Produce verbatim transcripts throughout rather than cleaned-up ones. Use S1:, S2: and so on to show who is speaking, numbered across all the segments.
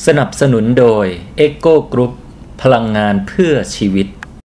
S1: สนับสนุนโดย เอ็กโก Group พลังงานเพื่อชีวิต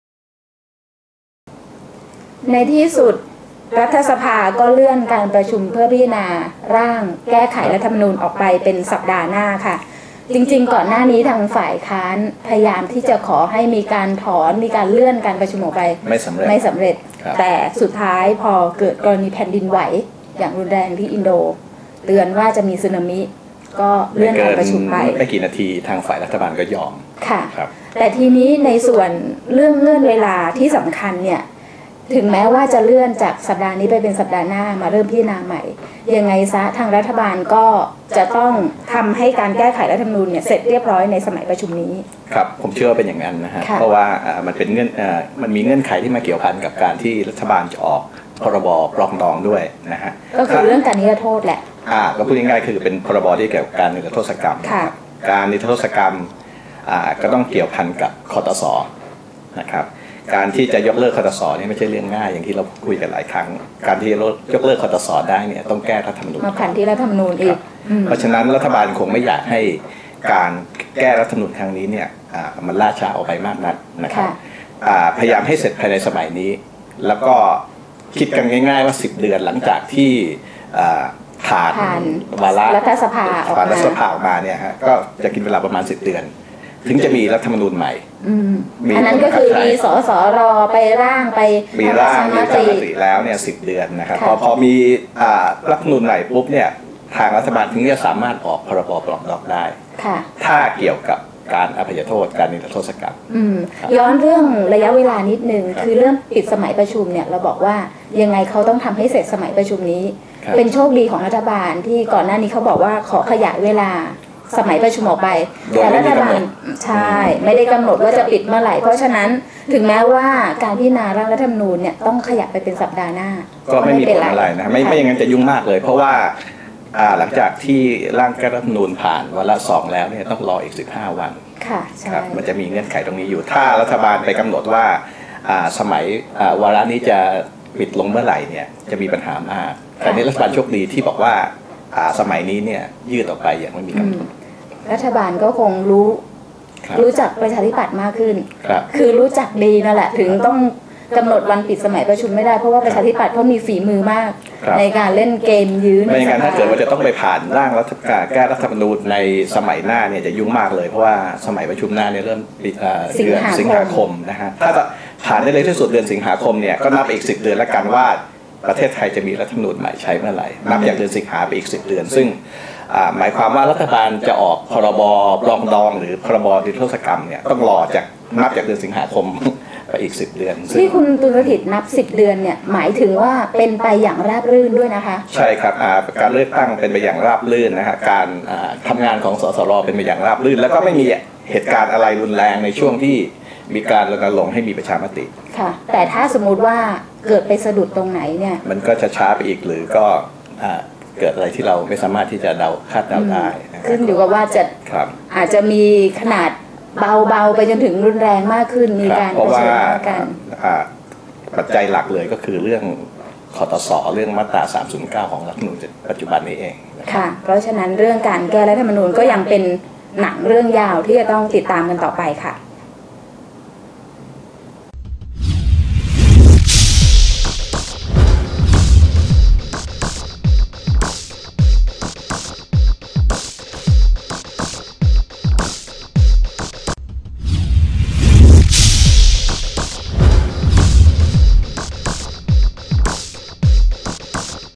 S2: ในที่สุดรัฐสภาก็เลื่อนการประชุมเพื่อพิจารณาร่างแก้ไขรัฐธรรมนูญออกไปเป็นสัปดาห์หน้าค่ะจริงๆก่อนหน้านี้ทางฝ่ายค้านพยายามที่จะขอให้มีการถอนมีการเลื่อนการประชุมออกไป
S3: ไม่สำเร็จ
S2: ไม่สำเร็จแต่สุดท้ายพอเกิดกรณีแผ่นดินไหวอย่างรุนแรงที่อินโดเตือนว่าจะมีสึนามิก็เลื่อนการประชุมไป
S3: ไม่กี่นาทีทางฝ่ายรัฐบาลก็ยอม
S2: ค่ะแต่ทีนี้ในส่วนเรื่องเงื่อนเวลาที่สำคัญเนี่ยถึงแม้ว่าจะเลื่อนจากสัปดาห์นี้ไปเป็นสัปดาห์หน้ามาเริ่มพิจารณาใหม่ยังไงซะทางรัฐบาลก็จะต้องทำให้การแก้ไขรัฐธรรมนูญเนี่ยเสร็จเรียบร้อยในสมัยประชุมนี้
S3: ครับผมเชื่อว่าเป็นอย่างนั้นนะฮะเพราะว่ามันเป็นเงื่อนมันมีเงื่อนไขที่มาเกี่ยวพันกับการที่รัฐบาลจะออกพรบปรองดองด้วยนะฮะ
S2: ก็คือเรื่องการนิรโทษแหละ
S3: อ่าก็พูดง่ายๆคือเป็นพรบที่เกี่ยวกับการนิรโทษกรรมการนิรโทษกรรมอ่าก็ต้องเกี่ยวพันกับคตส.นะครับการที่จะยกเลิกคตส.นี่ไม่ใช่เรื่องง่ายอย่างที่เราคุยกันหลายครั้งการที่ยกเลิกคตส.ได้เนี่ยต้องแก้รัฐธรรมนูญ
S2: มาผ่านที่รัฐธรรมนูญอีก
S3: เพราะฉะนั้นรัฐบาลคงไม่อยากให้การแก้รัฐธรรมนูญครั้งนี้เนี่ยมันล่าช้าออกไปมากนักนะครับพยายามให้เสร็จภายในสมัยนี้แล้วก็คิดกันง่ายๆว่าสิบเดือนหลังจากที่ผ่านวาระ
S2: รัฐสภาออกมา
S3: รัฐสภาออกมาเนี่ยฮะก็จะกินเวลาประมาณสิบเดือนถึงจะมีรัฐธรรมนูญใหม่
S2: อันนั้นก็คือมีสสรไปร่างไป
S3: มีร่างมีการมติแล้วเนี่ยสิบเดือนนะครับพอพอมีรัฐธรรมนูญใหม่ปุ๊บเนี่ยทางรัฐบาลถึงจะสามารถออกพรบปรองดองได้ถ้าเกี่ยวกับการอภัยโทษการนิรโทษกรรม
S2: ย้อนเรื่องระยะเวลานิดนึงคือเรื่องปิดสมัยประชุมเนี่ยเราบอกว่ายังไงเขาต้องทำให้เสร็จสมัยประชุมนี้เป็นโชคดีของรัฐบาลที่ก่อนหน้านี้เขาบอกว่าขอขยายเวลาสมัยประชุมออกไปแต่รัฐบาลใช่ไม่ได้กำหนดว่าจะปิดเมื่อไหร่เพราะฉะนั้นถึงแม้ว่าการพิจารณาร่างรัฐธรรมนูญเนี่ยต้องขยับไปเป็นสัปดาห์หน้า
S3: ก็ไม่มีผลอะไรนะไม่ไม่อย่างนั้นจะยุ่งมากเลยเพราะว่าหลังจากที่ร่างแก้รัฐธรรมนูญผ่านวาระสองแล้วเนี่ยต้องรออีกสิบห้าวัน
S2: ค่ะใช่
S3: มันจะมีเงื่อนไขตรงนี้อยู่ถ้ารัฐบาลไปกำหนดว่าสมัยวาระนี้จะปิดลงเมื่อไหร่เนี่ยจะมีปัญหามากแต่นี้รัฐบาลโชคดีที่บอกว่าสมัยนี้เนี่ยยืดออกไปอย่างไม่มีกำหนด
S2: รัฐบาลก็คงรู้รู้จักประชาธิปัตย์มากขึ้นคือรู้จักดีนั่นแหละถึงต้องกำหนดวันปิดสมัยประชุมไม่ได้เพราะว่าประชาธิปัตย์เขามีฝีมือมากในการเล่นเกมยื้อ
S3: ไม่งั้นถ้าเกิดว่าจะต้องไปผ่านร่างรัฐแก้รัฐธรรมนูญในสมัยหน้าเนี่ยจะยุ่งมากเลยเพราะว่าสมัยประชุมหน้าเนี่ยเริ่มเดือนสิงหาคมนะฮะถ้าผ่านได้เลยที่สุดเดือนสิงหาคมเนี่ยก็นับอีกสิบเดือนแล้วกันว่าประเทศไทยจะมีรัฐธรรมนูญใหม่ใช้เมื่อไหร่นับจากเดือนสิงหาไปอีกสิบเดือนซึ่งหมายความว่ารัฐบาลจะออกพรบปรองดองหรือพรบนิรโทษกรรมเนี่ยต้องรอจากนับจากเดือนสิงหาคมไปอีกสิบเดือน
S2: ที่คุณตุลสถิตนับสิบเดือนเนี่ยหมายถึงว่าเป็นไปอย่างราบรื่นด้วยนะคะ
S3: ใช่ครับการเลือกตั้งเป็นไปอย่างราบรื่นนะฮะการทำงานของสสรเป็นไปอย่างราบรื่นแล้วก็ไม่มีเหตุการณ์อะไรรุนแรงในช่วงที่มีการรณรงค์ให้มีประชามติ
S2: ค่ะแต่ถ้าสมมุติว่าเกิดไปสะดุดตรงไหนเนี่ย
S3: มันก็จะช้าไปอีกหรือก็เกิดอะไรที่เราไม่สามารถที่จะเดาคาดเดาได้
S2: ขึ้นอยู่กับว่าจะอาจจะมีขนาดเบาๆไปจนถึงรุนแรงมากขึ้นมีการ
S3: เพราะว่าปัจจัยหลักเลยก็คือเรื่องคตส.เรื่องมาตราสามศูนย์เก้าของรัฐธรรมนูญปัจจุบันนี้เอง
S2: ค่ะเพราะฉะนั้นเรื่องการแก้รัฐธรรมนูญก็ยังเป็นหนังเรื่องยาวที่จะต้องติดตามกันต่อไปค่ะ